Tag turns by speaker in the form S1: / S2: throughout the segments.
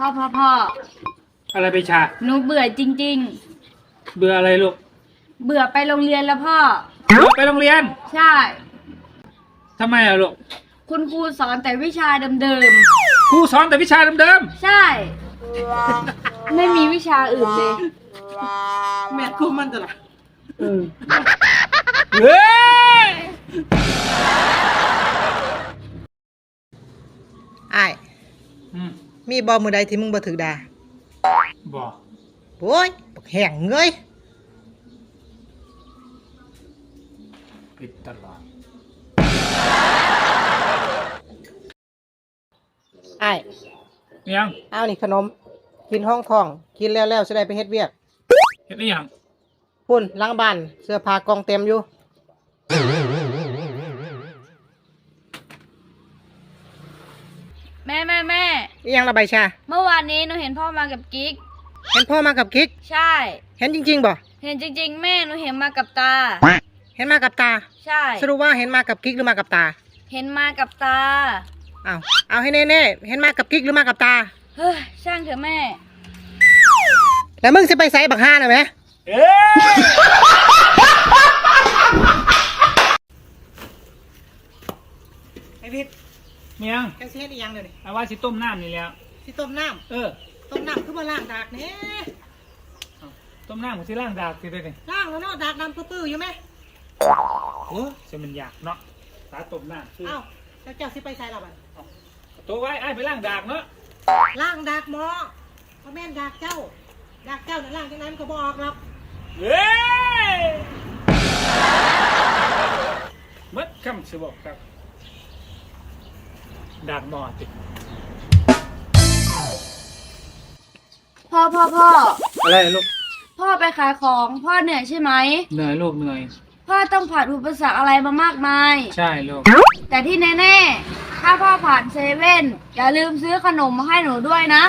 S1: พ่อ
S2: อะไรไปชา
S1: หนูเบื่อจริง
S2: เบื่ออะไรลูก
S1: ๆเบื่อไปโรงเรียนแล้วพ่อ
S2: เบื่อไปโรงเรียน
S1: ใช่
S2: ทำไมอะลูก
S1: คุณครูสอนแต่วิชาเดิม
S2: ครูสอนแต่วิชาเดิม
S1: ๆใช่ไม่มีวิชาอื่นเลย
S3: แม่กูมันตลอด
S2: เฮ้ย
S3: อ้ายมีบอมือใดที่มึงบ่ถือดา
S2: บ่
S3: โอ้ยบักแห้งเงย
S2: ผิดตลอด
S3: อ้าย
S2: ยัง
S3: เอานี่ขนมกินห้องทองกินแล้วจะได้ไปเฮ็ดเวียก
S2: เฮ็ดได้ยัง
S3: พุ่นล้างบ้านเสื้อผ้ากองเต็มอยู่
S1: แม่
S3: อีหยังระบายชา
S1: เมื่อวานนี้หนูเห็นพ่อมากับกิ๊ก
S3: เห็นพ่อมากับกิ๊ก
S1: ใช่
S3: เห็นจริงๆบ่
S1: เห็นจริงๆแม่หนูเห็นมากับตา
S3: เห็นมากับตา
S1: ใช่
S3: สรุปว่าเห็นมากับกิ๊กหรือมากับตา
S1: เห็นมากับตา
S3: เอาให้แน่ๆเห็นมากับกิ๊กหรือมากับตา
S1: เฮ้ยช่างเถอะแม่
S3: แล้วมึงจะไปไสบักห่าน่ะแม่ไอ้พิษ
S2: มียัง
S3: แกสิเฮ็ดอีหยังเดี๋ยวนี้
S2: เอาว่าสิต้มน้ำนี่แล้ว
S3: สิต้มน้ำต้มน้ำคือบ่ล้างดากแหน่
S2: ต้มน้ำของสิล้างดากสิได้นี่
S3: ล้างแล้วเนาะดากดำปื้อๆอยู่ไหม
S2: โอ้จะมันยากเนาะตาต้มน้ำ
S3: แล้วเจ้าสิไปไสล่ะบัด
S2: ตัวไว้ไอ้ไปล้างดากเนาะ
S3: ล้างดากหมอบ่แม่นดากเจ้าน่ะล้างจังได๋มันก็บ่ออกหรอก
S2: เฮ้ยมัดคำสิบอกครับดากหมอติ
S1: พ่อ
S2: อะไรลูก
S1: พ่อไปขายของพ่อเหนื่อยใช่ไหม
S2: เหนื่อยลูกเหนื่อย
S1: พ่อต้องผ่านอุปสรรคอะไรมามากมาย
S2: ใช่ลูก
S1: แต่ที่แน่ๆถ้าพ่อผ่านเซเว่นอย่าลืมซื้อขนมมาให้หนูด้วยนะ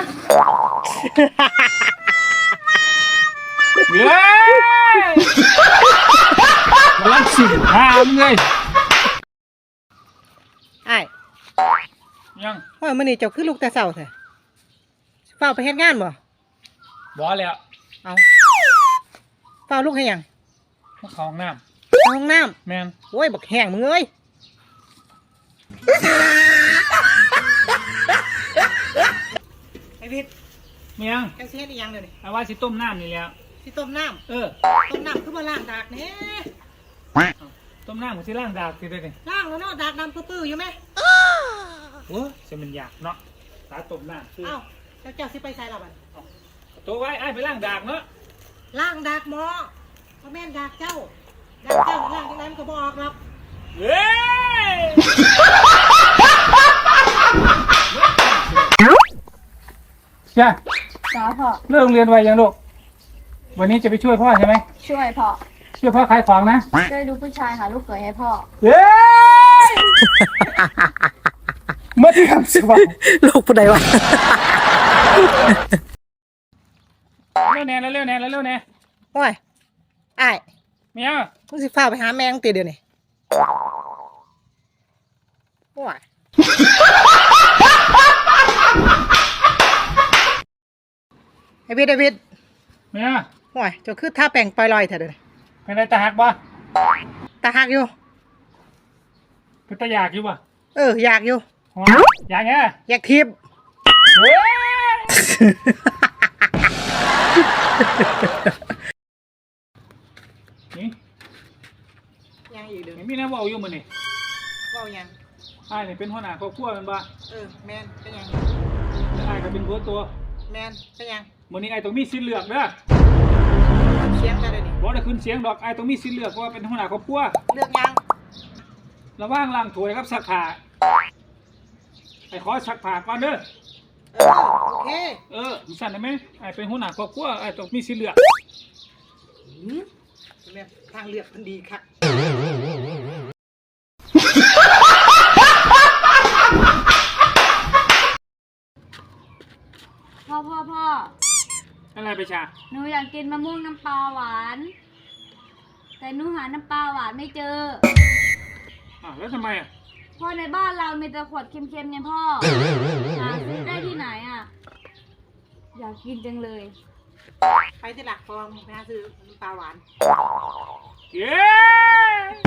S2: เย้รักสิหามเลย
S3: ไอ้
S2: ยัง
S3: ว่ามื้อนี้เจ้าคือลูกแต่เช้าแท้เฝ้าไปเฮ็ดงานบ่
S2: บ่แล้ว
S3: เอาเฝ้าลูกให้หยัง
S2: มาเข้าห้องน้
S3: ำแม่นโอ้ยบักแห้งมึงเอ้ยไอ้พิษ
S2: มียัง
S3: แกสิเฮ็ดอีหยังเดี๋ยวนี้
S2: เอาว่าสิต้มน้ำนี่แล้ว
S3: สิต้มน้ำต้มน้ำคือบ่ล้างดากแหน่
S2: ต้มน้ำของสิล้างดากสิได้นี่
S3: ล้างแล้วเนาะดากดำปื้อๆอยู่ไหม
S2: โอ้จะมันยากเนาะตาต้มน้ำ
S3: แล้วเจ้าสิไปไสล่ะบัด
S2: ตัวไว้ไอ้ไปล้างดากเนาะ
S3: ล้างดากหมอบ่แม่นดากเจ้าล้างจังได๋มันก็บ่ออกหรอก
S2: เฮ้ยใช่
S1: จ้าพ่อ
S2: เลิกเรียนไวยังลูกวันนี้จะไปช่วยพ่อใช่ไหม
S1: ช่วยพ่อ
S2: ช่วยพ่อขายของนะ
S1: ช่วยดูผู้ชายหาลูกเขยให้พ่อ
S2: เฮ้ยเมื่อที่ทำสิวะ
S3: ลูกผู้ใดวะ
S2: เร็วแน่
S3: โอ้ยไอ้
S2: เมีย
S3: มึงสิฟ้าไปหาแม่งตีเดี๋ยวนี้โอ้ยไอ้พิษ
S2: เมีย
S3: โอ้ยเจ้าคือท่าแป้งปล่อยๆเถอะเดี๋ยวนี้
S2: เป็นไรตาหักบ่
S3: ตาหักอยู่
S2: เป็นตาอยากอยู่บ่
S3: อยากอยู่
S2: อยากไง
S3: อยากทิพย์
S2: เฮ้ยนี่
S3: ยังอีกเด้อ
S2: มีน้ำว่าอยู่มื้อนี่
S3: ว่ายัง
S2: อ้ายนี่เป็นหัวหน้าครอบครัวแม่นบ่
S3: แม่นเป็นยัง
S2: อ้ายก็เป็นหัวตัว
S3: แม่นเป็นยัง
S2: มื้อนี้อ้ายต้องมีสิทธิ์เลือกเด้อ
S3: เสียงกันเลยนี่
S2: บ่ได้ขึ้นเสียงดอกอ้ายต้องมีสิทธิ์เลือกเพราะว่าเป็นหัวหน้าครอบครัว
S3: เลือกยัง
S2: ระหว่างล้างถ้วยกับซักผ้าไอ้ขอซักผ้าก่อนเด้อ
S3: โอเค
S2: สั่นได้ไหมไอ้เป็นหัวหน้าครอบครัวไอ้ต้องมีสิทธิ์เลือก
S3: แม่ทางเลือกมันดีครับ
S1: พ่อ
S2: อะไรไปชา
S1: หนูอยากกินมะม่วงน้ำปลาหวานแต่หนูหาน้ำปลาหวานไม่เจอ
S2: แล้วทำไม
S1: พ่อในบ้านเรามีแต่ขวดเค็มๆไงพ่อหาซื้อได้ที่ไหนอยากกินจังเลย
S3: ไปที่หลักฟองไปหาซื้อน้ำปลาหวาน
S2: เย้